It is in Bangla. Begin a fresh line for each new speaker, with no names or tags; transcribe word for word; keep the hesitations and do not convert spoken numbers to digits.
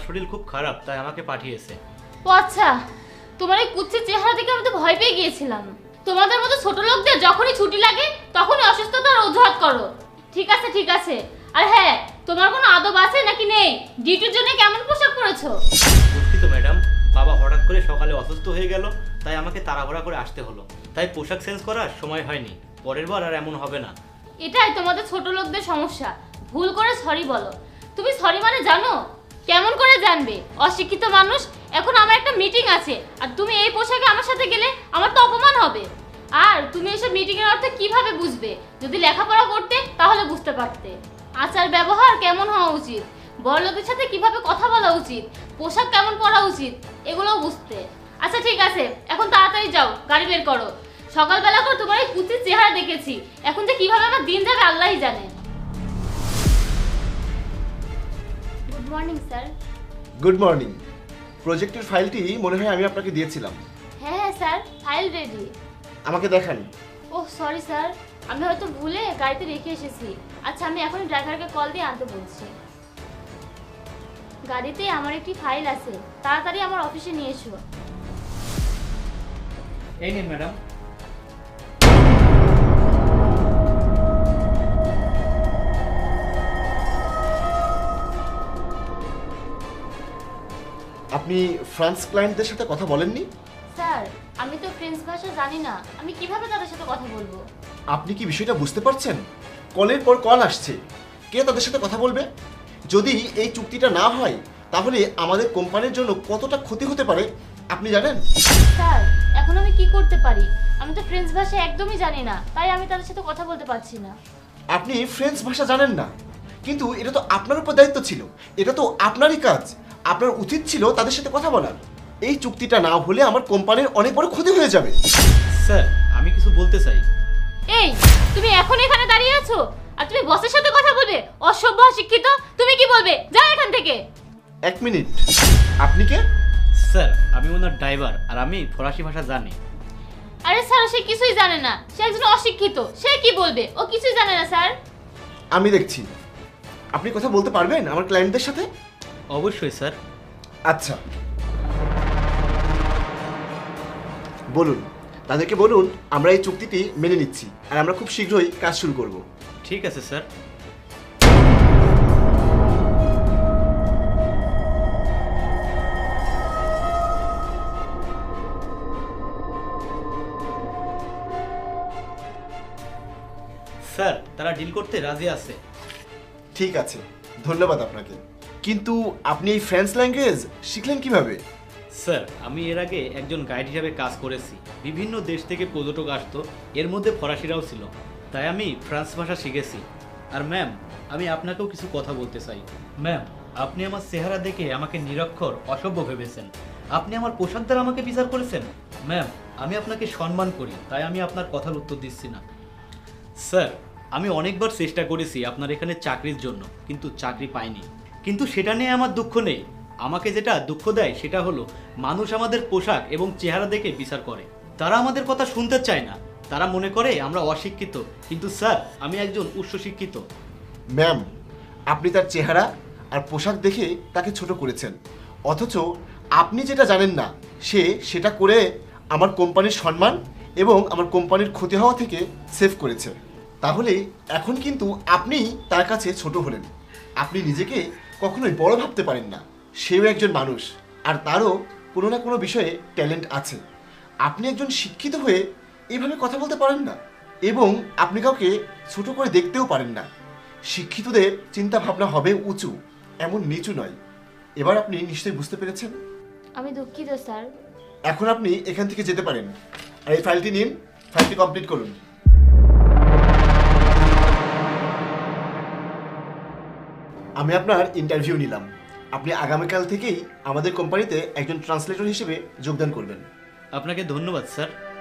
শরীর খুব খারাপ, তাই আমাকে পাঠিয়েছে।
ও আচ্ছা, তোমার এই কুচ্ছির চেহারা দেখে আমি তো ভয় পেয়ে গিয়েছিলাম। তোমাদের মতো ছোট লোকদের যখনই ছুটি লাগে তখনই অসুস্থতার অজুহাত করো। ঠিক আছে ঠিক আছে, আর হ্যাঁ, তোমার কোনো আদব আছে নাকি নেই? ডিউটির জন্য কেমন পোশাক পরেছো?
দুঃখিত ম্যাডাম, বাবা হঠাৎ করে সকালে অসুস্থ হয়ে গেল, তাই আমাকে তাড়াহুড়া করে আসতে হলো, তাই পোশাক চেঞ্জ করার সময় হয়নি। পরের বার আর এমন হবে না।
এটাই তোমাদের ছোট লোকদের সমস্যা, ভুল করে সরি বলো। তুমি সরি মানে জানো? কেমন করে জানবে? অশিক্ষিত মানুষ। এখন আমার একটা মিটিং আছে, আর তুমি এই পোশাকে আমার সাথে গেলে আমার তো অপমান হবে। আর তুমি এসব মিটিং এর অর্থ কিভাবে বুঝবে? যদি লেখাপড়া করতে তাহলে বুঝতে পারতে। আচার ব্যবহার কেমন হওয়া উচিত, বড়লোকের সাথে কিভাবে কথা বলা উচিত, পোশাক কেমন পরা উচিত, এগুলোও বুঝতে। আচ্ছা ঠিক আছে, এখন তাড়াতাড়ি যাও, গাড়ি বের করো। সকালবেলা করে তোমার এই কুচির চেহারা দেখেছি, এখন যে কিভাবে আমার দিন যাবে আল্লাহই জানে। Good morning sir.
Good morning. প্রজেক্টের ফাইলটি মনে হয় আমি আপনাকে দিয়েছিলাম।
হ্যাঁ হ্যাঁ স্যার, ফাইল রেডি।
আমাকে দেখান।
ওহ সরি স্যার, আমি হয়তো ভুলে গাড়িতে রেখে এসেছি। আচ্ছা, আমি এখনই ড্রাইভারকে কল দিয়ে আনতে বলছি। গাড়িতে আমার একটি ফাইল আছে, তাড়াতাড়ি আমার অফিসে নিয়ে এসো।
এই নিন ম্যাডাম।
আপনি ফ্রান্স ক্লায়েন্টদের সাথে কথা বলেননি?
স্যার, আমি তো ফ্রেঞ্চ ভাষা জানি না, আমি কিভাবে তাদের সাথে কথা বলবো?
আপনি কি বিষয়টা বুঝতে পারছেন? কলের পর কল আসছে, কে তাদের সাথে কথা বলবে? যদি এই চুক্তিটা না হয় তাহলে আমাদের কোম্পানির জন্য কতটা ক্ষতি হতে পারে আপনি জানেন?
স্যার, এখন আমি কি করতে পারি? আমি তো ফ্রেঞ্চ ভাষা একদমই জানি না, তাই আমি তাদের সাথে কথা বলতে পারছি না।
আপনি ফ্রেঞ্চ ভাষা জানেন না, কিন্তু এটা তো আপনার উপর দায়িত্ব ছিল, এটা তো আপনারই কাজ। আপনার উচিত ছিল তাদের সাথে কথা বলার। এই চুক্তিটা না হলে আমার কোম্পানির অনেক বড় ক্ষতি হয়ে যাবে।
স্যার, আমি কিছু বলতে চাই।
এই, তুমি এখন এখানে দাঁড়িয়ে আছো আর তুমি বসের সাথে কথা বলবে? অসভ্য, অশিক্ষিত। তুমি কি বলবে? যাও এখান থেকে।
এক মিনিট, আপনি কে?
স্যার, আমি ওনার ড্রাইভার, আর আমি ফরাসি ভাষা জানি।
আরে স্যার, সে কিছুই জানে না, সে একজন অশিক্ষিত। সে কি বলবে? ও কিছুই জানে না স্যার।
আমি দেখছি। আপনি কথা বলতে পারবেন আমার ক্লায়েন্টদের সাথে?
অবশ্যই স্যার।
আচ্ছা, বলুন, তাদেরকে বলুন আমরা এই চুক্তিটি মেনে নিচ্ছি আর আমরা খুব শীঘ্রই কাজ শুরু করব।
ঠিক আছে স্যার। স্যার, তারা ডিল করতে রাজি আছে।
ঠিক আছে, ধন্যবাদ আপনাকে। কিন্তু আপনি এই ফ্রেঞ্চ ল্যাঙ্গুয়েজ শিখলেন কিভাবে?
স্যার, আমি এর আগে একজন গাইড হিসাবে কাজ করেছি। বিভিন্ন দেশ থেকে পর্যটক আসতো, এর মধ্যে ফরাসিরাও ছিল, তাই আমি ফ্রান্স ভাষা শিখেছি। আর ম্যাম, আমি আপনাকেও কিছু কথা বলতে চাই। ম্যাম, আপনি আমার চেহারা দেখে আমাকে নিরক্ষর, অসভ্য ভেবেছেন। আপনি আমার পোশাক দ্বারা আমাকে বিচার করেছেন। ম্যাম, আমি আপনাকে সম্মান করি, তাই আমি আপনার কথার উত্তর দিচ্ছি না। স্যার, আমি অনেকবার চেষ্টা করেছি আপনার এখানে চাকরির জন্য, কিন্তু চাকরি পাইনি। কিন্তু সেটা নিয়ে আমার দুঃখ নেই। আমাকে যেটা দুঃখ দেয় সেটা হলো মানুষ আমাদের পোশাক এবং চেহারা দেখে বিচার করে। তারা আমাদের কথা শুনতে চায় না। তারা মনে করে আমরা অশিক্ষিত, কিন্তু স্যার, আমি একজন উচ্চশিক্ষিত।
ম্যাম, আপনি তার চেহারা আর পোশাক দেখে তাকে ছোট করেছেন, অথচ আপনি যেটা জানেন না সে সেটা করে আমার কোম্পানির সম্মান এবং আমার কোম্পানির ক্ষতি হওয়া থেকে সেভ করেছে। তাহলে এখন কিন্তু আপনি তার কাছে ছোট হলেন। আপনি নিজেকে কখনোই বড় ভাবতে পারেন না। সেও একজন মানুষ, আর তারও কোনো না কোনো বিষয়ে ট্যালেন্ট আছে। আপনি একজন শিক্ষিত হয়ে এইভাবে কথা বলতে পারেন না, এবং আপনি কাউকে ছোট করে দেখতেও পারেন না। শিক্ষিতদের চিন্তা ভাবনা হবে উঁচু, এমন নিচু নয়। এবার আপনি নিশ্চয়ই বুঝতে পেরেছেন।
আমি দুঃখিত স্যার।
এখন আপনি এখান থেকে যেতে পারেন, আর এই ফাইলটি নিন, ফাইলটি কমপ্লিট করুন। আমি আপনার ইন্টারভিউ নিলাম। আপনি আগামীকাল থেকেই আমাদের কোম্পানিতে একজন ট্রান্সলেটর হিসেবে যোগদান করবেন।
আপনাকে ধন্যবাদ স্যার।